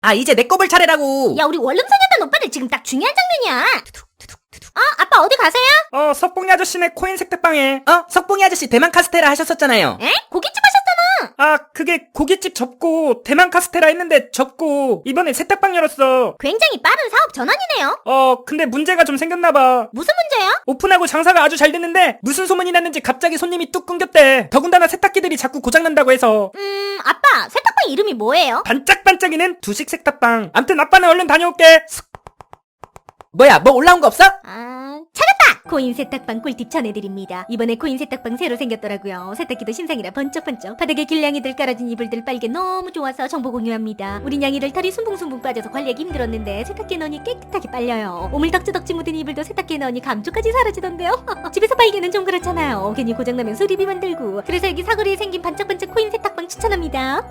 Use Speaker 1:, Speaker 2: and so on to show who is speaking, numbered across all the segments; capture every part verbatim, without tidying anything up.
Speaker 1: 아, 이제 내 꼽을 차례라고.
Speaker 2: 야, 우리 원룸사냐단 오빠들 지금 딱 중요한 장면이야. 어? 아빠 어디 가세요?
Speaker 3: 어, 석봉이 아저씨네 코인 색택방에.
Speaker 1: 어? 석봉이 아저씨 대만 카스테라 하셨었잖아요.
Speaker 2: 에? 고깃집 하셨잖아.
Speaker 3: 아, 그게 고깃집 접고 대만 카스테라 했는데 접고 이번에 세탁방 열었어.
Speaker 2: 굉장히 빠른 사업 전환이네요.
Speaker 3: 어, 근데 문제가 좀 생겼나봐.
Speaker 2: 무슨 문제요?
Speaker 3: 오픈하고 장사가 아주 잘 됐는데 무슨 소문이 났는지 갑자기 손님이 뚝 끊겼대. 더군다나 세탁기들이 자꾸 고장난다고 해서.
Speaker 2: 음, 아빠 세탁방 이름이 뭐예요?
Speaker 3: 반짝반짝이는 두식 세탁방. 암튼 아빠는 얼른 다녀올게.
Speaker 1: 뭐야, 뭐 올라온 거 없어?
Speaker 2: 아, 찾았다! 코인 세탁방 꿀팁 전해드립니다. 이번에 코인 세탁방 새로 생겼더라고요. 세탁기도 신상이라 번쩍번쩍. 바닥에 길냥이들 깔아준 이불들 빨개 너무 좋아서 정보 공유합니다. 우리 냥이들 털이 숭붕숭붕 빠져서 관리하기 힘들었는데 세탁기에 넣으니 깨끗하게 빨려요. 오물 덕지덕지 묻은 이불도 세탁기에 넣으니 감쪽까지 사라지던데요. 집에서 빨기는 좀 그렇잖아요. 괜히 고장나면 수리비 만들고. 그래서 여기 사거리에 생긴 반짝반짝 코인 세탁방 추천합니다.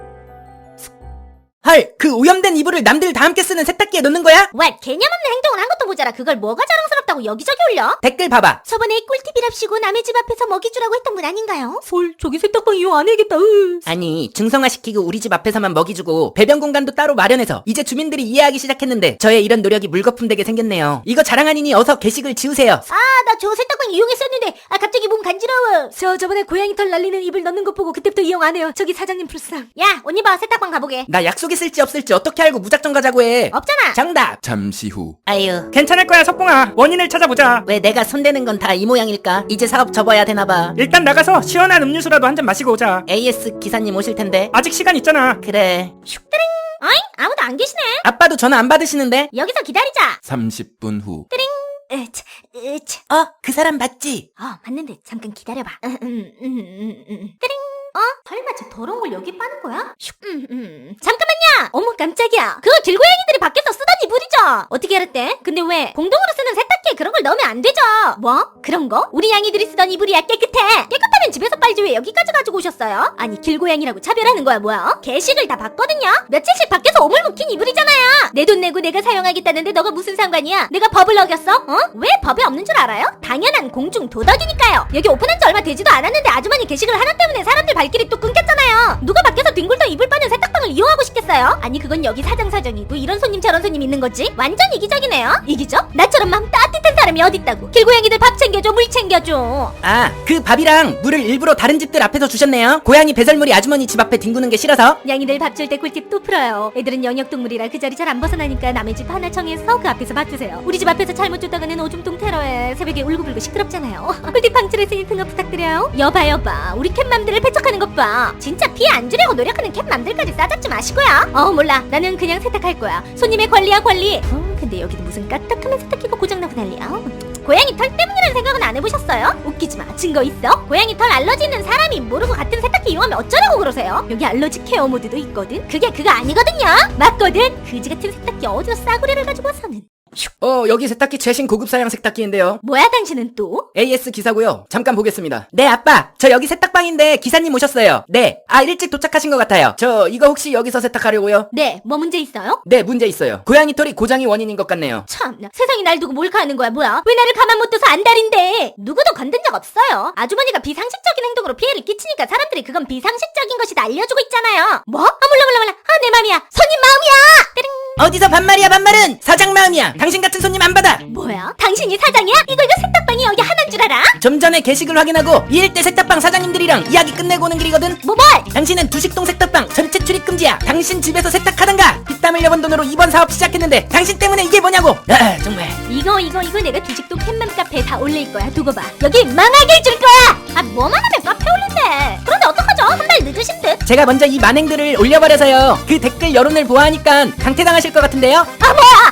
Speaker 1: 헐, 그 오염된 이불을 남들 다 함께 쓰는 세탁기에 넣는 거야?
Speaker 2: 왜 개념 없는 행동을 한 것도 모자라 그걸 뭐가 자랑스럽다고 여기저기 올려?
Speaker 1: 댓글 봐봐.
Speaker 2: 저번에 꿀팁이랍시고 남의 집 앞에서 먹이 주라고 했던 분 아닌가요? 헐, 저기 세탁방 이용 안 해야겠다. 으.
Speaker 1: 아니, 중성화시키고 우리 집 앞에서만 먹이 주고 배변 공간도 따로 마련해서 이제 주민들이 이해하기 시작했는데 저의 이런 노력이 물거품 되게 생겼네요. 이거 자랑 아니니 어서 게시글 지우세요.
Speaker 2: 아, 나 저 세탁방 이용했었는데 아 갑자기 몸 간지러워. 저 저번에 고양이 털 날리는 이불 넣는 거 보고 그때부터 이용 안 해요. 저기 사장님 불쌍. 야, 옷 입어. 세탁방 가보게.
Speaker 1: 나 약속 있을지 없을지 어떻게 알고 무작정 가자고 해.
Speaker 2: 없잖아.
Speaker 1: 정답.
Speaker 4: 잠시 후.
Speaker 1: 아유,
Speaker 3: 괜찮을 거야, 석봉아. 원인을 찾아보자.
Speaker 1: 왜 내가 손대는 건 다 이 모양일까? 이제 사업 접어야 되나봐.
Speaker 3: 일단 나가서 시원한 음료수라도 한 잔 마시고 오자.
Speaker 1: 에이에스 기사님 오실 텐데.
Speaker 3: 아직 시간 있잖아.
Speaker 1: 그래.
Speaker 2: 어잉? 아무도 안 계시네.
Speaker 1: 아빠도 전화 안 받으시는데?
Speaker 2: 여기서 기다리자.
Speaker 4: 삼십 분 후.
Speaker 2: 으차, 으차.
Speaker 1: 어, 그 사람 맞지?
Speaker 2: 어, 맞는데 잠깐 기다려봐. 음, 음, 음, 음, 음. 띠링. 어? 설마 저 더러운 걸 여기 빠는 거야? 슉. 음, 음. 잠깐만요. 어머 깜짝이야. 그거 길고양이들이 밖에서 쓰던 이불이죠. 어떻게 알았대? 근데 왜 공동으로 쓰는 세탁기에 그런 걸 넣으면 안 되죠? 뭐? 그런 거? 우리 양이들이 쓰던 이불이야. 깨끗해. 깨끗하면 집에서 빨지 왜 여기까지 가지고 오셨어요? 아니 길고양이라고 차별하는 거야 뭐야? 게시글 다 봤거든요. 며칠씩 밖에서 오물 묵힌 이불이잖아요. 내 돈 내고 내가 사용하겠다는데 너가 무슨 상관이야? 내가 법을 어겼어? 어? 왜 법이 없는 줄 알아요? 당연한 공중 도덕이니까요. 여기 오픈한 지 얼마 되지도 않았는데 아주머니 게시글 하나 때문에 사람들 발길이 또 끊겼잖아요. 누가 밖에서 뒹굴던 이불 빠는 세탁방을 이용하고 싶겠어요? 아니 그건 여기 사장 사정이고 이런 손님 저런 손님 있는 거지? 완전 이기적이네요. 이기적? 나처럼 마음 따뜻한 사람이 어딨다고. 길고양이들 밥 챙겨줘 물 챙겨줘.
Speaker 1: 아, 그 밥이랑 물을 일부러 다른 집들 앞에서 주셨네요. 고양이 배설물이 아주머니 집 앞에 뒹구는 게 싫어서.
Speaker 2: 양이들 밥 줄 때 꿀팁 또 풀어요. 애들은 영역동물이라 그 자리 잘 안 벗어나니까 남의 집 하나 정해서 그 앞에서 밥 주세요. 우리 집 앞에서 잘못 줬다가는 오줌통 테러에 새벽에 울고불고 시끄럽잖아요. 꿀팁 방출했으니 등업 부탁드려요. 여봐 여봐 우리 캣맘들을 배척하는 것 봐. 진짜 피해 안 주려고 노력하는 캣맘들까지 싸잡지 마시고요. 어 몰라 나는 그냥 세탁할 거야. 손님의 권리야 권리. 어 근데 여기는 무슨 까딱하면 세탁기가 고장나고 난리야. 어. 고양이 털 때문이라는 생각은 안 해보셨어요? 웃기지마. 증거 있어? 고양이 털 알러지 있는 사람이 모르고 같은 세탁기 이용하면 어쩌라고 그러세요? 여기 알러지 케어 모드도 있거든? 그게 그거 아니거든요? 맞거든? 그지 같은 세탁기 어디서 싸구려를 가지고 와서는.
Speaker 1: 어, 여기 세탁기 최신 고급 사양 세탁기인데요.
Speaker 2: 뭐야 당신은 또?
Speaker 1: 에이에스 기사고요. 잠깐 보겠습니다. 네, 아빠. 저 여기 세탁방인데 기사님 오셨어요. 네. 아, 일찍 도착하신 것 같아요. 저 이거 혹시 여기서 세탁하려고요?
Speaker 2: 네, 뭐 문제 있어요?
Speaker 1: 네, 문제 있어요. 고양이 털이 고장이 원인인 것 같네요.
Speaker 2: 참나 세상이 날 두고 몰카하는 거야 뭐야? 왜 나를 가만 못 둬서 안달인데? 누구도 건든 적 없어요. 아주머니가 비상식적인 행동으로 피해를 끼치니까 사람들이 그건 비상식적인 것이다 알려주고 있잖아요. 뭐? 아 몰라 몰라 몰라. 아 내 맘이야. 손님 마음이야. 띠링.
Speaker 1: 어디서 반말이야 반말은? 사장 마음이야. 당신 같은 손님 안 받아.
Speaker 2: 뭐야? 당신이 사장이야? 이거 이거 세탁방이 여기 하나인 줄 알아?
Speaker 1: 좀 전에 게시글 확인하고 이 일대 세탁방 사장님들이랑 이야기 끝내고 오는 길이거든.
Speaker 2: 뭐 뭘?
Speaker 1: 당신은 두식동 세탁방 전체 출입 금지야. 당신 집에서 세탁하던가. 피땀 흘려본 돈으로 이번 사업 시작했는데 당신 때문에 이게 뭐냐고. 아 정말.
Speaker 2: 이거 이거 이거 내가 두식도 캣맘 카페에 다 올릴 거야. 두고 봐. 여기 망하게 해줄 거야. 아 뭐만 하면 카페 올린대. 그런데 어떡하죠? 한 달 늦으신 듯.
Speaker 1: 제가 먼저 이 만행들을 올려버려서요. 그 댓글 여론을 보아하니까 강퇴당하실 것 같은데요.
Speaker 2: 아 뭐야?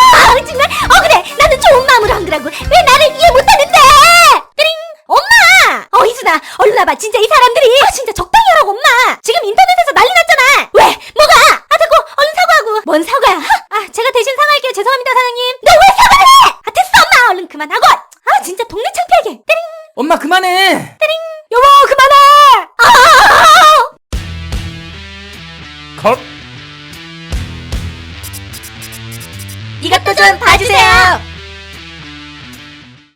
Speaker 2: 아 정말 억울해. 나는 좋은 마음으로 한 거라고. 왜 나를 이해 못하는데? 띠링. 엄마. 어 이순아 얼른 와봐. 진짜 이 사람들이. 아 진짜 적당히 하라고 엄마. 지금 인터넷에서 난리 났잖아. 왜? 뭐가? 아 됐고 얼른 사과하고. 뭔 사과야? 아 제가 대신 사과할게요. 죄송합니다 사장님. 너 왜 사과를 해? 아 됐어 엄마. 얼른 그만하고. 아 진짜 동네 창피하게. 띠링.
Speaker 1: 엄마 그만해.
Speaker 2: 띠링. 여보 그만해. 아.
Speaker 3: 컷.
Speaker 2: 이것도 좀 봐주세요.